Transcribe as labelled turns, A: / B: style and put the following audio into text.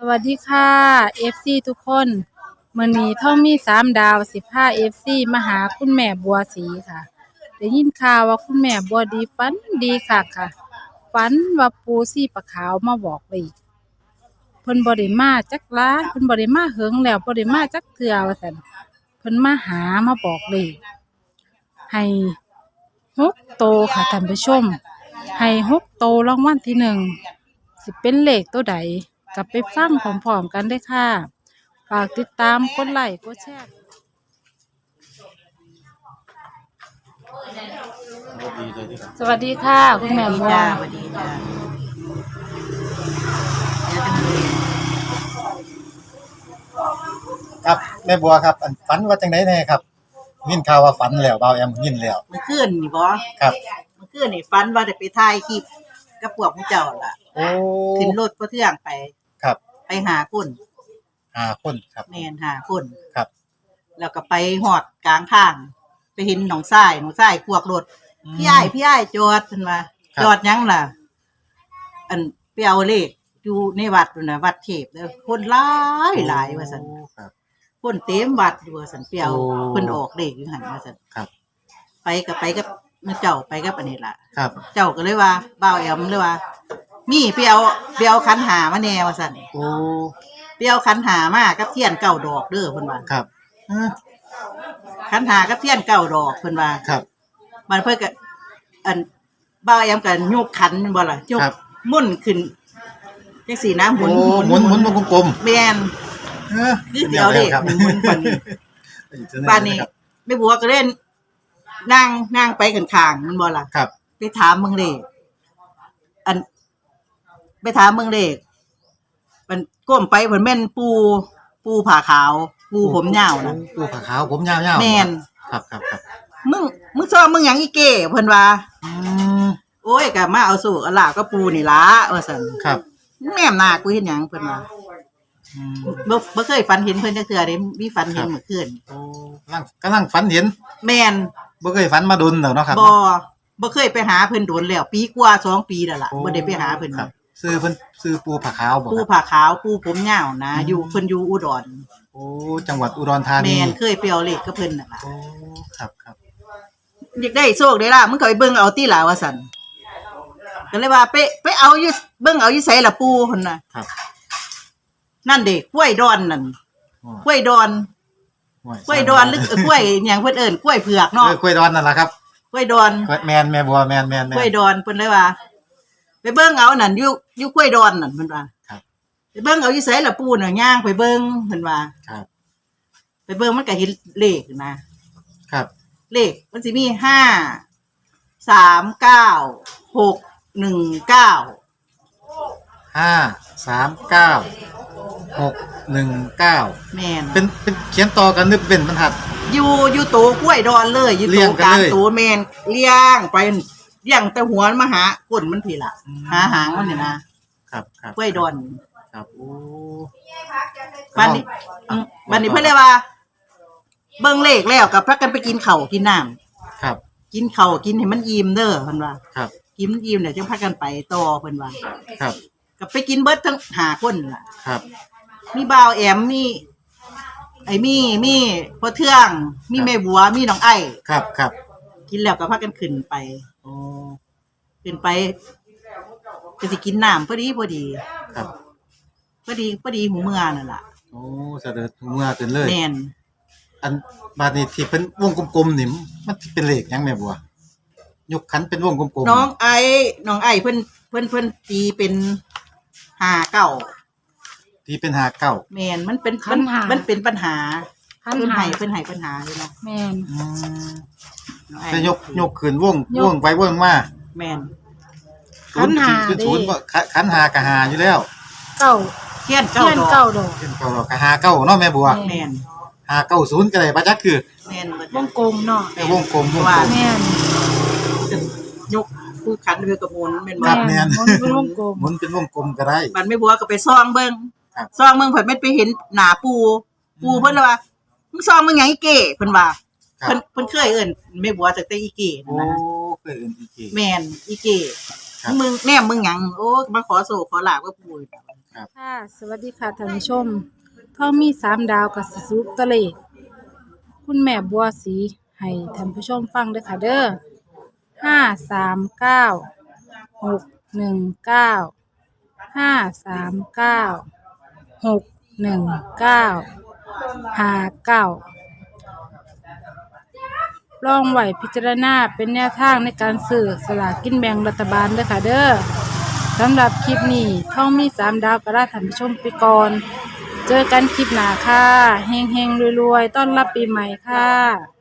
A: วัสดีค่ะ FC ทุกคนมื้อนี้ท่องมี3 ดาวสิพา FC มาหาคุณแม่บัวศรีค่ะได้ยินข่าวว่าคุณแม่บัวดีฝันดีคักค่ะฝันว่าปู่ศรีปะขาวมาบอกเลขเพิ่นบ่ได้มาจักหลายเพิ่นบ่ได้มาเหิงแล้วบ่ได้มาจักเทื่อว่าซั่นเพิ่นมาหามาบอกเลขให้6 โตวค่ะท่านผู้ชมให้6 โตวรางวัลที่ 1สิเป็นเลขตัวใดกลับไปฟังพร้อมๆกันได้ค่ะฝากติดตามกดไลค์กดแชร์สวัสดีค่ะคุณแม่บัว
B: จ้าสวัสดีจ้า
C: ครับแม่บัวครับอันฝันว่าจังได๋แน่ครับยินข่าวว่าฝันแล้วบ่าวแอมยินแล้ว
B: เมื่อคืนนี่บ่
C: ครับ
B: เมื่อคืนนี่ฝันว่าได้ไปถ่ายคลิปกับพวกผู้เจ้าล่ะ
C: โอ้
B: ขึ้นรถบ่เทื่องไป
C: ครับ
B: ไปหาคน
C: 5 คนครับ
B: แม่นหาคน
C: ครับ
B: แล้วก็ไปฮอดกลางทางไปเห็นหนองทรายขวกรถพี่อ้ายจอดเพิ่นว่าจอดหยังล่ะอันไปเอาเลขอยู่ในวัดนั่นน่ะวัดเทพเด้อคนหลายว่าซั่น
C: โอ้ครับ
B: คนเต็มวัดอยู่ว่าซั่นไปเอา
C: โอ้
B: เพิ่นออกเลขอยู่หั่นว่าซั่น
C: ครับ
B: ไปกับมื้อเจ้าไปกับอันนี้ล่ะ
C: ครับ
B: เจ้าก็เลยว่าบ่าวแอมเลยว่ามีไปเอาขันหามาแน่ว่าซั่น
C: โอ้
B: ไปเอาขันหามากับเทียนเก้าดอกเด้อเพิ่นว่า
C: ครับเออ
B: ขันหากับเทียนเก้าดอกเพิ่นว่า
C: ครับ
B: มันเพิ่นก็อันบ่าวแอมก็ยกขันบ่ล่ะยก
C: ครับ
B: มุ่นขึ้นจังซี่นะหมุน
C: โอ้หมุนวงกลม
B: แม่น
C: ๆเออ
B: คือสิเอาเด้
C: ครับ
B: หมุนๆบัดนี้ บ้านนี้แม่บัวก็เล่นนั่งไปข้างๆมันบ่ล่ะ
C: ครับ
B: ไปถามมึงเลขอันไปถามมึงเลขมันก้มไปเหมือนแม่นปูผ่าขาว ปูผมยาวนะ
C: ปูผ้าขาวผมยาวๆ
B: แม่น
C: ครับ
B: มึงซ้อมมึงหยังอีเก้เพิ่นว่า
C: อืม
B: โอ้ยก็มาเอาสู่เอาล่ะก็ปูนี่ล่ะว่าซั่น
C: ครับ
B: แม่มหน้ากูเฮ็ดหยังเพิ่นว่า
C: อืม
B: บ่เคยฝันเห็นเพิ่นจักเทื่อเด้มีฝันเห็นเมื่อคืน
C: โอ้กำลังฝันเห็น
B: แม่น
C: บ่เคยฝันมาดนแล้วเนาะครับ
B: บ่เคยไปหาเพิ่นโดนแล้วปีกว่า2 ปีแล้วล่ะ
C: โอ้
B: บ่ได้ไปหาเพิ่น
C: ครับซื้อเพิ่นซื้อปูผ้าขาวบ่
B: ปู
C: ครับ
B: ผ่าขาวปูผมยาวนะอยู่เพิ่นอยู่อุดร
C: โอ้จังหวัดอุดรธานี
B: แม่นเคยไปเอาเลขกับเพิ่นน่ะล่ะ
C: โอ้ครับ
B: อยากได้โชคได้ล่ะมึงก็ไปเบิ่งเอาติล่ะว่าซั่นก็เลยว่าไปเอาอยู่เบิ่งเอาอยู่ไสล่ะปูเพิ่นน่ะ
C: ครับ
B: นั่นเด้กล้วยดอนนั่น
C: โอ้
B: กล้วยดอนกล้วยดอนหรือกล้วยหยังเพิ่นเอิ้นกล้วยเผือกเนาะ
C: กล้วยดอนนั่นล่ะครับ
B: กล้วยดอน
C: แม่นแม่บัวแม่น
B: กล้วยดอนเพิ่นเลยว่า ไปเบิ่งเอานั่นอยู่กล้วยดอนนั่นเพิ่นว่า
C: ครับ
B: ไปเบิ่งเอาอยู่ไสล่ะปูน่ะย่างไปเบิ่งเพิ่นว่า
C: ครับ
B: ไปเบิ่งมันก็เห็นเลขนะครับ เลขมันสิมี5 3 9 6 1 9
C: 5 3 9 6 1 9
B: แม่น
C: เป็นเขียนต่อกันหรือเป็นบรรทัด
B: อยู่โตกล้วยดอนเลยอยู่
C: เรี
B: โต
C: ยงกัน
B: กลาง
C: เลย
B: โตแม่นเลี้ยงไปเลี้ยงแต่หัวมันมาหาก้นมันพี่ล่ะหาหางมันนี่นะครับ กล้วยดอน
C: ครับโอ้
B: บัดนี้บัดนี้เพิ่นเลยว่า เบิ่งเลขแล้วก็พากันไปกินข้าวกินน้ำ
C: ครับ
B: กินข้าวกินให้มันอิ่มเด้อเพิ่นว่า
C: ครับ
B: กินอิ่มเดี๋ยวจึงพากันไปต่อเพิ่นว่า
C: ครับ
B: ก็ไปกินเบิดทั้ง5คนนั่นล่ะ
C: ครับ
B: มีบ่าวแอมมีไอ้มีพ่อเทืองมีแม่บัวมีน้องไอ้
C: ครับ
B: กินแล้วก็พากันขึ้นไป
C: โอ้
B: ขึ้นไปก็สิกินน้ำพอดี
C: ครับ
B: พอดีหูเมื่อนั่นล่ะ
C: โอ้เสด็จเมื่อขึ้นเลย
B: แม่น
C: อันบาดนี้ที่เป็นวงกลมๆนี่มันสิเป็นเลขหยังแม่บัวยกขันเป็นวงกลมๆ
B: น้องไอ้เพิ่นตีเป็น59
C: ที่เป็น59
B: แม่นมันเป็น มันเป็นปัญหาเพิ่นให้ปัญหาเลยเนาะ
A: แม่น
C: อืม
B: น้องไอ้
C: จะยกขึ้นวง
A: ยก
C: ไปวงมา
B: แม่น
A: ขันหา
C: เป็น
A: เด้
C: ศูนย์บ่ขันหากะหาอยู่แล้ว
A: เก้า
B: เทียน
A: เทียน
B: 9ด
A: เก้า
B: อก
A: ดอก
C: เป็นเก่ากะหาเก้าเนาะแม่บัว
B: แม่น
C: 590ก็ได้บ่จักคือ
B: แม่นเบิด
A: วงกลมเนาะ
C: แต่วงกลม
B: ว่า
A: แม่น
B: ยกคู่ขันเรือกระมุนแม่น
C: ครั
B: บ่
C: บ แม่น
A: มันเป็นวงกลม
C: หมุนเป็นวงกลมก็ได้
B: บัดแม่บัวก็ไปซ่องเบิ่ง
C: ครับ
B: ซ่องเบิ่งเพิ่นไม่ไปเห็นหน้าปูเพิ่นเลยว่ามึงซ่องมึงหยังอีเก้เพิ่นว่า
C: ครับ
B: เพิ่นเคยเอิ้นแม่บัวตั้งแต่อีเก้นั่
C: โอ้
B: นนะ
C: เคยเอิ้นอีกที
B: แม่นอีเก้
C: คครับ
B: มึงแนมมึงหยังโอ้มาขอโศกขอลาบกับปู่
A: ค่ะสวัสดีค่ะท่านผู้ชมท่องมี3 ดาวกับสิสรุปตัวเลขคุณแม่บัวสีให้ท่านผู้ชมฟังเด้อค่ะเด้อ539 619 539 619 59ลองไหวพิจารณาเป็นแนวทางในการซื้อสลากกินแบ่งรัฐบาลเด้อค่ะเด้อสำหรับคลิปนี้ท่องมี3 ดาวก็ลาท่านผู้ชมไปก่อน เจอกันคลิปหน้าค่ะเฮงๆรวยๆต้อนรับปีใหม่ค่ะ